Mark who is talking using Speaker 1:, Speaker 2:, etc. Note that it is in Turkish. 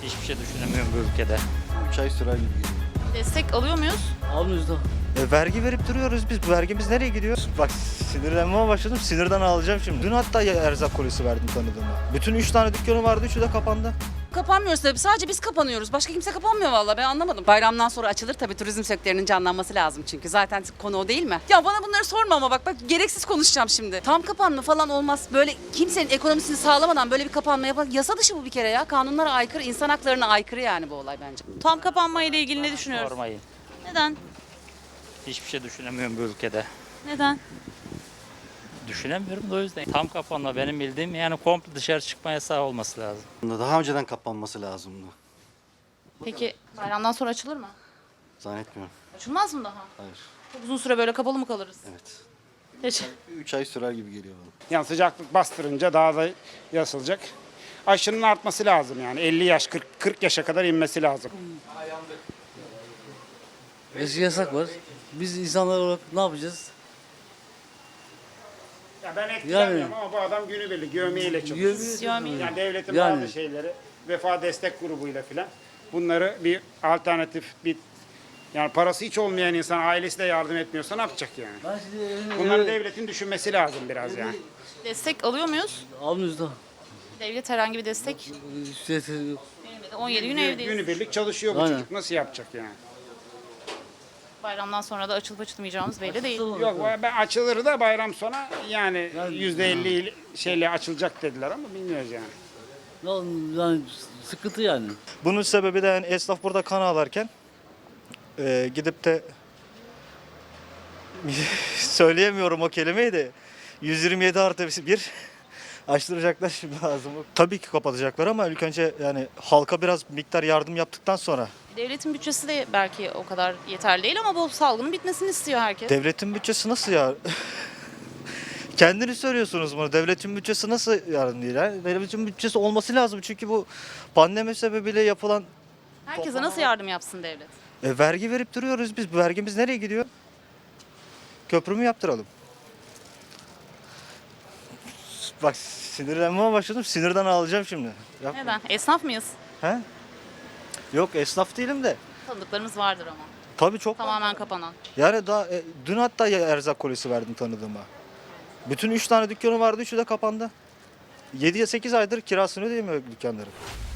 Speaker 1: Hiçbir şey düşünemiyorum bu ülkede.
Speaker 2: 3 ay sürer gibi geliyor.
Speaker 3: Destek alıyor muyuz?
Speaker 4: Almıyoruz da.
Speaker 2: Vergi verip duruyoruz biz. Bu vergimiz nereye gidiyor? Bak sinirlenmeye başladım. Sinirden ağlayacağım şimdi. Dün hatta erzak kolisi verdim tanıdığıma. Bütün 3 tane dükkanı vardı. 3'ü de kapandı.
Speaker 3: Kapanmıyoruz tabii. Sadece biz kapanıyoruz. Başka kimse kapanmıyor vallahi. Ben anlamadım. Bayramdan sonra açılır tabii. Turizm sektörünün canlanması lazım çünkü. Zaten konu o değil mi? Ya bana bunları sorma ama bak gereksiz konuşacağım şimdi. Tam kapanma falan olmaz. Böyle kimsenin ekonomisini sağlamadan böyle bir kapanma yapar. Yasa dışı bu bir kere ya. Kanunlara aykırı, insan haklarına aykırı yani bu olay bence. Tam kapanma ile ilgili ne düşünüyoruz?
Speaker 1: Sormayın.
Speaker 3: Neden?
Speaker 1: Hiçbir şey düşünemiyorum bu ülkede.
Speaker 3: Neden?
Speaker 1: Düşünemiyorum da o yüzden. Tam kapanma benim bildiğim yani komple dışarı çıkma yasağı olması lazım.
Speaker 2: Daha önceden kapanması lazımdı.
Speaker 3: Peki bayramdan sonra açılır mı?
Speaker 2: Zannetmiyorum.
Speaker 3: Açılmaz mı daha?
Speaker 2: Hayır.
Speaker 3: Çok uzun süre böyle kapalı mı kalırız?
Speaker 2: Evet.
Speaker 3: Peki.
Speaker 2: 3 ay sürer gibi geliyor bana.
Speaker 5: Yani sıcaklık bastırınca daha da yasılacak. Aşının artması lazım yani 50 yaş 40 yaşa kadar inmesi lazım.
Speaker 4: Eski yasak var. Biz insanlar olarak ne yapacağız?
Speaker 5: Ya ben etkilenmiyorum ama bu adam günübirlik yövmiyeyle çalışıyor. Yani devletin
Speaker 4: Yani.
Speaker 5: bazı şeyleri vefa destek grubuyla filan bunları bir alternatif bir yani parası hiç olmayan insan ailesi de yardım etmiyorsa ne yapacak yani?
Speaker 4: Ben şimdi
Speaker 5: Bunları devletin düşünmesi lazım biraz yani.
Speaker 3: Destek alıyor muyuz?
Speaker 4: almıyoruz da.
Speaker 3: Devlet herhangi bir destek
Speaker 4: İşte yok.
Speaker 3: vermedi. 17 gün evdeyiz.
Speaker 5: Günübirlik çalışıyor bu
Speaker 4: Aynen.
Speaker 5: çocuk nasıl yapacak yani?
Speaker 3: Bayramdan sonra da açılıp açılmayacağımız belli değil.
Speaker 5: Yok ben açılır da bayram sona yani %50 şeyle açılacak dediler ama bilmiyoruz yani.
Speaker 4: Yani sıkıntı yani.
Speaker 2: Bunun sebebi de yani esnaf burada kan ağlarken gidip de söyleyemiyorum o kelimeyi de 127 artı 1 açtıracaklar şimdi ağzımı. Tabii ki kapatacaklar ama ilk önce yani halka biraz miktar yardım yaptıktan sonra.
Speaker 3: Devletin bütçesi de belki o kadar yeterli değil ama bu salgının bitmesini istiyor herkes.
Speaker 2: Devletin bütçesi nasıl ya? Kendini söylüyorsunuz bunu. Devletin bütçesi nasıl yardım değil? Ha? Devletin bütçesi olması lazım çünkü bu pandemi sebebiyle yapılan
Speaker 3: Herkese nasıl yardım yapsın devlet?
Speaker 2: vergi verip duruyoruz biz. Bu vergimiz nereye gidiyor? Köprü mü yaptıralım? Bak sinirlenmeye başladım. Sinirden ağlayacağım şimdi. Yapma.
Speaker 3: Neden? Esnaf mıyız?
Speaker 2: He? Yok esnaf değilim de.
Speaker 3: Tanıdıklarımız vardır ama.
Speaker 2: Tabii çok.
Speaker 3: Tamamen kapanan.
Speaker 2: Yani daha dün hatta erzak kolisi verdim tanıdığıma. Bütün 3 tane dükkanı vardı. 3'ü de kapandı. 7-8 aydır kirasını ödeyemiyor dükkanları.